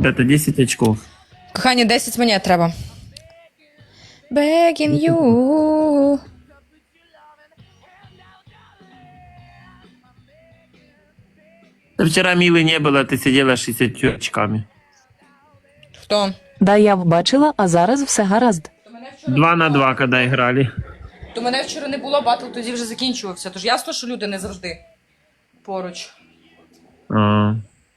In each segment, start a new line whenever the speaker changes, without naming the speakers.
ребята, 10 очков.
Кохані, 10 монет треба. Begging you.
Да вчера Милы не было, ты сидела с 60 очками.
Хто?
Да, я бачила, а зараз все гаразд.
2 на 2, когда играли.
То мене вчора не було, батл тоді вже закінчувався. Тож ясно, що люди не завжди поруч.
А.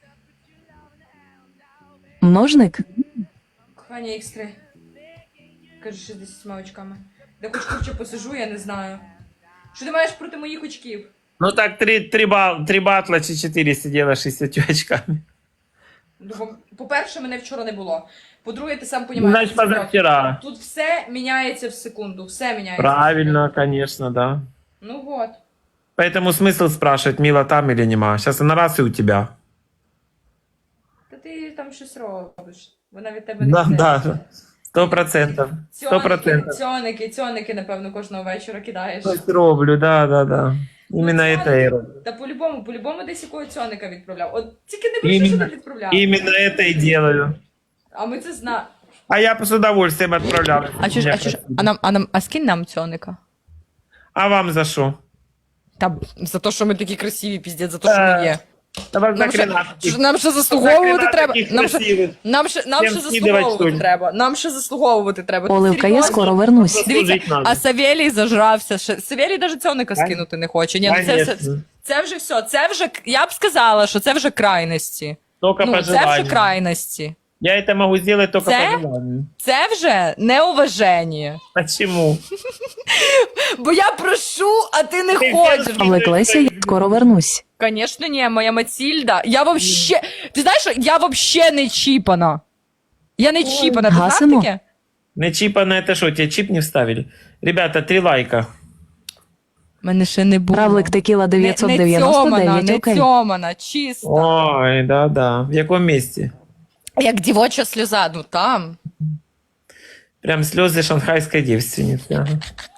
Множник?
Кохання X3. Кажу, 60 очками. Де хоч курче посижу, я не знаю. Що ти маєш проти моїх очків?
Ну так, 3 батла чи 4 сидела с 60 очками.
Ну, по-перше, мене вчора не було. По-друге, ти сам розумієш.
Значит, позавчера.
Тут все міняється в секунду. Все міняється.
Правильно, конечно, да.
Ну вот.
Поэтому смысл спрашивать, Мила там или нема. Сейчас она раз и у тебя.
Та ти там щось робиш. Вона від тебе не
Да,
йде.
да. 100%. 100%.
Цьоники, напевно, кожного вечора кидаєш.
Щось роблю, да. Именно
Ну,
это я роблю.
Та по-любому десь якого цьоника відправляв. От тільки не пиши, що ти відправляв.
Именно это и делаю.
А ми це знаємо.
А я с удовольствием отправлял.
А скинь нам цьоника?
А вам за что?
Та за те, що ми такі красиві, піздець, за те, що ми є.
Да вас
Нам
нахрена
ще, нам ще заслуговувати треба.
таких
Нам ще,
красивых.
нам ще
Всем скидывать,
заслуговувати
что ли?
треба. Нам ще заслуговувати треба. Ти
Оливка, я
серйозно?
скоро вернусь.
Дивіться,
Служить надо.
а Савєлій зажрався. Савєлій навіть цьоника скинути не хоче. Ні, ну
Конечно.
це вже все. Це вже, я б сказала, що це вже крайності.
Только по
Ну, це вже
желанию.
крайності.
Я это могу сделать только
Це?
по желанию.
Це вже неуваження.
Почему?
Бо я прошу, а ти не
Ти
хочеш.
Влеклеся, я скоро вернусь.
Конечно, ні, моя Матільда. Я вообще. Ти знаєш, що я вообще не чіпана. Я не чіпана. Ти знав
Гасимо?
таке?
Не чипа это что, тебе чип не вставили? Ребята, 3 лайка.
Мене ще не було.
Правлик Текіла
не
999, окей.
цьомана, чисто.
Ой, да. В каком месте?
Як дівоча сльоза, ну там.
Прям слезы шанхайской девственницы. Ага.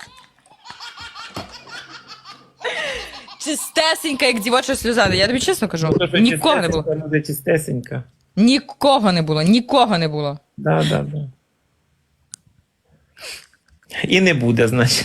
Чистесенька, як дівоча сльоза. Я тобі чесно кажу,
Ну, то, что
нікого не було.
чистесенько, надо чистесенько.
Нікого не було, нікого не було.
Да. І не буде, значить.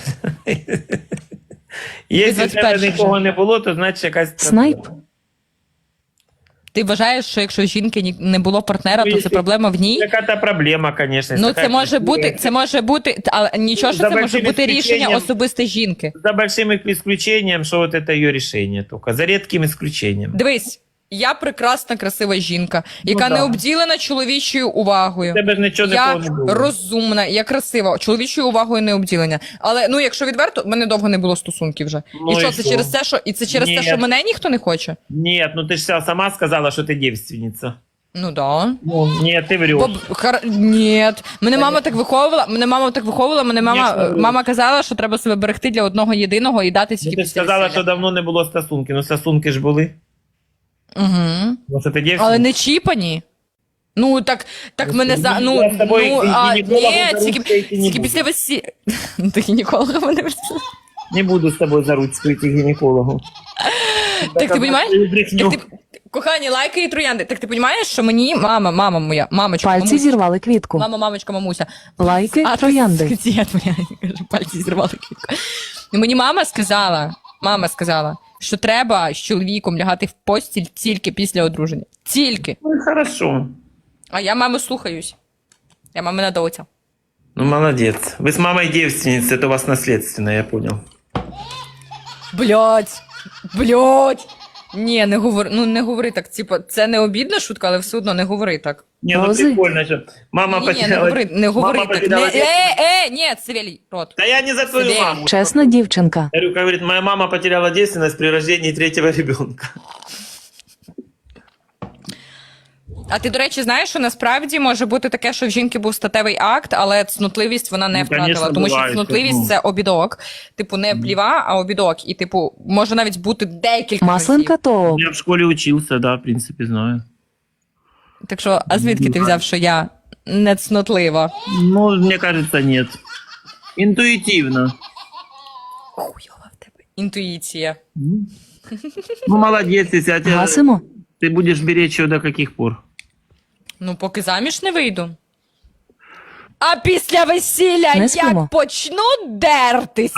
Якщо в тебе
21
нікого
вже.
не було, то значить якась
Снайп?
проблема.
Ти вважаєш, що якщо жінки не було партнера, то це
якщо-
проблема в ній?
Яка-то проблема, звісно.
Ну, це може бути, але нічого, що
За
це може
большим
бути рішення
исключением-
особисте жінки.
За большим исключением, что вот это ее решение только. За редким исключением.
Дивись, я прекрасна, красива жінка, яка
да.
не обділена чоловічою увагою.
У тебе ж нічого
Я
такого не було.
розумна, я красива, чоловічою увагою не обділення. Але ну, якщо відверто, в мене довго не було стосунків вже.
Ну,
і що
і
це
що?
через те, що
Ні.
що мене ніхто не хоче?
Нет, ну ты же сама сказала, что ты девственница.
Ну да.
Ну, нет, ты врешь.
Ні. Мене мама так виховувала,
Конечно,
мама казала, що треба себе берегти для одного єдиного і дати
Ну,
тільки
ти ж
після
сказала,
весілля.
що давно не було стосунки. Ну, стосунки ж були.
Угу.
Ну, що ти девственниця.
Але не чіпані. Ну, так мене за... Ну,
Я з тобою
ні,
гінекологом за ручку йти не
тільки
буду.
після весілля. До гінеколога мене
Не буду з тобою за ручку йти к гінекологу.
Так ти розумієш?
Брехню.
Так ти... Кохані, лайки і троянди. Так ти розумієш, що мені мама моя, мамочка,
Пальці
мамуся,
зірвали квітку.
мамочка, мамуся.
Лайки,
А,
троянди.
Ти, твоя, кажу, пальці зірвали квітку. Ну, мені мама сказала, що треба з чоловіком лягати в постіль тільки після одруження. Тільки.
Ну, хорошо.
А я маму слухаюсь. Я мамина доця.
Ну, молодец. Вы с мамой девственница, это у вас наследственно, я понял.
Блять. Ні, не говори так. Типа, це не обідна шутка, але все одно не говори так.
Не, ну
Розы?
прикольно же. Мама
Ні,
потеряла...
не говори
Мама
так.
потеряла девственность.
Ні, Савелій, рот.
Да я не за твою
Сидели.
маму.
Чесна дівчинка.
Говорю, говорит, моя мама потеряла девственность при рождении 3-го ребенка.
А ти, до речі, знаєш, що насправді може бути таке, що в жінки був статевий акт, але цнутливість вона не
Ну,
втратила.
конечно,
Тому
буває,
що цнутливість
ну.
це обідок. Типу, не пліва, а обідок. І, типу, може навіть бути декілька
Масленка
разів.
то
Я в школе учился, да, в принципе, знаю.
Так що, а звідки ти взяв, що я не цнотлива?
Ну, мне кажется, нет. Интуитивно.
Хуйова в тебе. Інтуїція.
Ну, молодец, если
гасимо.
ты будешь беречь ее до каких пор?
Ну, поки заміж не вийду. А після весілля
Не
як
спимо.
почну дертися.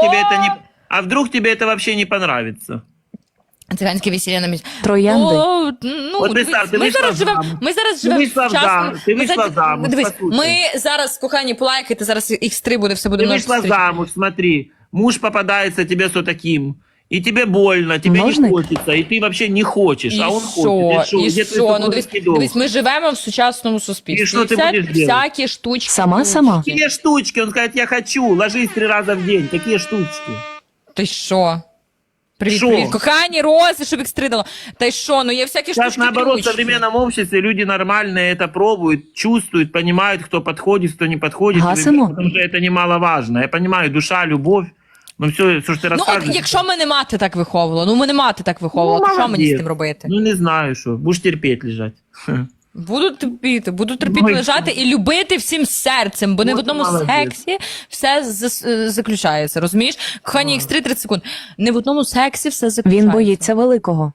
А вдруг тебе это вообще не понравится?
Циганське весілля на місці.
Троянди.
Ну,
От представ,
дивись,
ти вийшла замуж.
ми зараз
Ти
живемо
вийшла
в часному...
ти вийшла замуж,
Дивись,
послухай.
ми зараз, кохані, полайкайте, зараз X3 буде, все буде
Ты
множество
вышла
зустрічей.
замуж, смотри, муж попадается тебе с таким, и тебе больно, тебе не
Ножник?
хочется, и ты вообще не хочешь,
І
а он
що?
хочет.
І
Где твой
що? Ну, дивись,
супружеский долг?
дивись, ми живемо в сучасному суспільстві.
І що ти будеш делать?
всякі штучки.
Сама?
Какие штучки? Он скажет, я хочу, ложись 3 раза в день. Какие штучки?
Ти що? Привіт,
Що?
привіт. Кохані, рози, щоб X3 дало. Та й що? Ну є всякі
Сейчас,
штучки.
наоборот, в
трючки.
современном обществе люди нормальные это пробуют, чувствуют, понимают, кто подходит, кто не подходит.
Гасимо?
Потому что это немаловажно. Я понимаю, душа, любовь, но все, что ты
Ну, от
рассказываешь...
якщо мене мати так виховувала, ну мене мати так виховувала, то що мені з
молодець.
тим робити?
Ну, не знаю, что. Будешь терпеть лежать.
Буду терпіти
Ну, і
лежати і любити всім серцем, бо не в
Ну,
одному
молодець.
сексі все заключається, розумієш? Кохані, X3 30 секунд. Не в одному сексі все заключається.
Він боїться великого.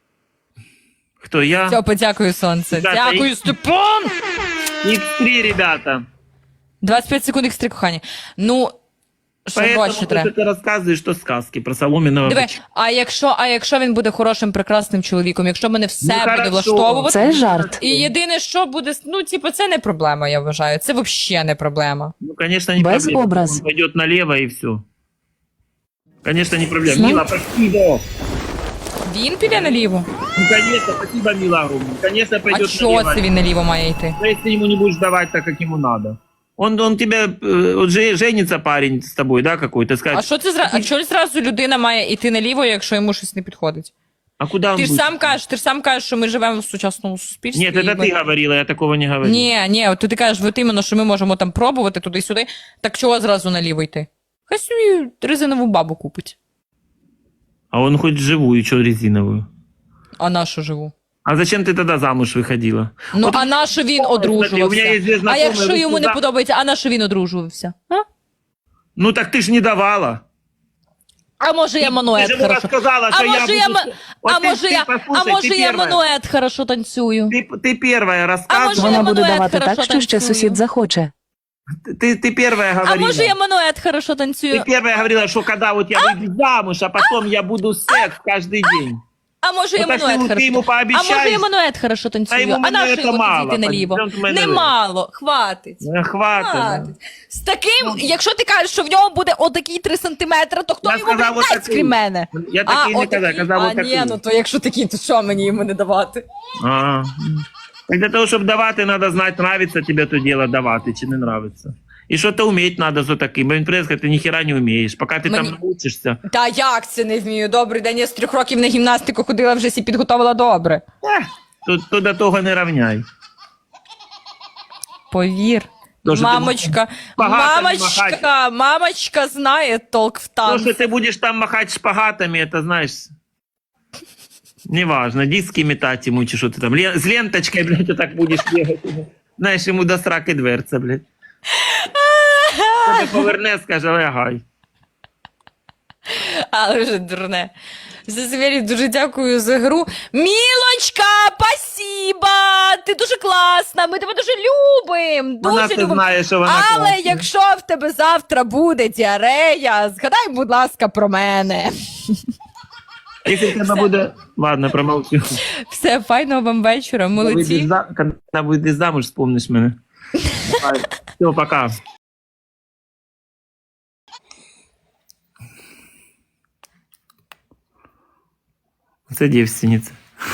Кто я?
Все, подякую, сонце.
Ребята,
Дякую, Степан!
X3, ребята.
25 секунд X3, кохані. Ну, що
Поэтому
більше
то,
треба?
что ты рассказываешь, что сказки про соломенного
Диви,
бычка.
а якщо він буде хорошим, прекрасним чоловіком, якщо мене все
Ну,
буде
хорошо.
влаштовувати,
Це жарт.
і єдине, що буде, ну, типу, це не проблема, я вважаю. Це взагалі не проблема.
Ну, конечно, не
Без
проблема.
образ.
Он пойдет налево и все. Конечно, не проблема.
Знаю.
Мила, спасибо.
Він піде наліво?
Ну, конечно, спасибо, Мила, огромное. Конечно,
А
пойдет
чого
налево.
це він наліво має йти?
Но если ему не будешь давать так, как ему надо. Он тебя, вот женится парень с тобой, да, какой-то,
А
скажет,
що це а чого зразу людина має йти наліво, якщо йому щось не підходить?
а куда он
Ти ж
будет?
сам кажеш, що ми живемо в сучасному суспільстві.
Нет, это
і ми-
ты говорила, я такого не говорил.
Ні, от ти кажеш, от іменно, що ми можемо там пробувати туди-сюди, так чого зразу наліво йти? Хай собі резинову бабу купить.
А он хоть живую, что резиновую.
А на що живу?
А зачем ты тогда замуж выходила?
Ну,
Вот
а на що він
смотри,
одружувався?
у мене є дві
А
знайомі,
якщо йому
ви
не
за-
подобається, а на що він одружувався? А?
Ну так ты ж не давала.
А може я
Ты
манует
же ему
хорошо?
рассказала,
А
что я
може
буду...
я,
Вот
а
ты-
може
ты
я,
послушай,
а може
ты
я
первая.
манует хорошо танцюю?
Ты первая
А
рассказывала.
може
Вона
я
буде
манует
давати
хорошо
так, що ще
танцюю?
сусід захоче.
Ты первая
А
говорила.
може я манует хорошо танцюю?
Ты первая говорила, что когда вот я выйду замуж, а потом я буду секс каждый день.
А може я
Ну, так
манует
ти
хорошо?
йому
А
пообіцяєш?
може я манует хорошо танцюю?
йому
А на
мануета
що йому
мало,
тоді йти наліво?
пойдем в мене.
Немало, хватить.
Хватит.
Хватить. З таким, якщо ти кажеш, що в ньому буде отакі 3 сантиметри, то хто
Я
йому
сказав
буде дасть,
отакий.
крім мене?
Я такий не казав, казав
А,
отакий.
ні, ну то якщо такі, то що мені йому не давати?
А. Так для того, щоб давати, треба знати, нравиться тебе то діло давати чи не нравиться. І що то вміти треба за таким. Бо він прийде, сказати, ти ніхіра не вмієш. Поки ти
Мені-
там навчишся.
Та як це не вмію? Добрий день, я з 3 років на гімнастику ходила, вже сі підготовила добре.
То до того не равняй.
Повір.
То, що ти
Мамочка,
багато не
мамочка знає толк в
То,
танці.
що ти будеш там махати шпагатами, это, знаєш, неважно, диски метать ему, чи що ти там, с ленточкой, блядь, так будеш бігати. Знаєш, йому до сраки дверця, блядь. Тебе поверне, скаже, лягай.
Але вже дурне. Зазвірі, дуже дякую за гру. Мілочка, спасіба! Ти дуже класна, ми тебе дуже любимо.
Вона
Дуже
це
любимо.
знає, що вона
Але
класна.
якщо в тебе завтра буде діарея, згадай, будь ласка, про мене.
Якщо в тебе буде... Ладно, промовчу.
Все, файного вам вечора, молодці.
Коли вийдеш замуж, вспомниш мене. Все, пока. Це девственница.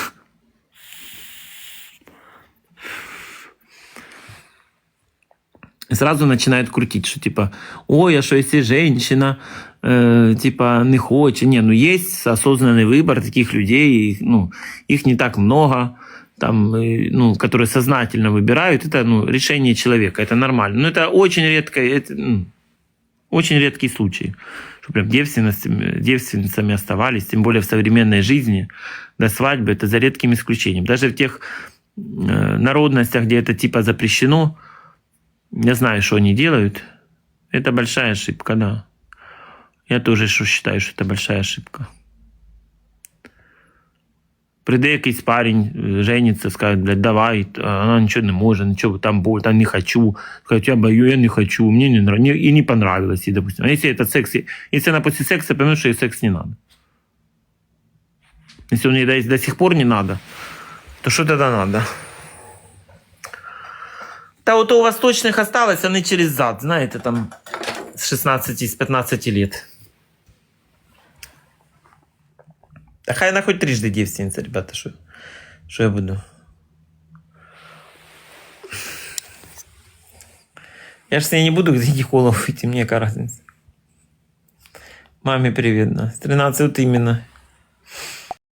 И сразу начинают крутить, что типа, ой, а что если женщина типа не хочет. Не, ну есть осознанный выбор таких людей, и, ну, их не так много, там, ну, которые сознательно выбирают. Это, ну, решение человека, это нормально. Но это очень редко, это, ну, очень редкий случай, что прям девственницами оставались, тем более в современной жизни до свадьбы, это за редким исключением. Даже в тех народностях, где это типа запрещено, я знаю, что они делают. Это большая ошибка, да. Я тоже считаю, что это большая ошибка. Прийде якийсь парень, жениться, скаже, блядь, давай, а вона нічого не може, нічого там боль, там не хочу. Скажет, я бою, я не хочу, мне не нравится, и не понравилось ей, допустим. А если это секс, если она после секса поймет, что ей секс не надо. Если он ей до сих пор не надо, то что тогда надо? Да вот у восточных осталось, они через зад, знаете, там с 16, с 15 лет. Да хай она хоть трижды девственница, ребята, что я буду? Я же с ней не буду к гинекологу идти, мне какая разница. Маме привет, да. С 13 вот именно.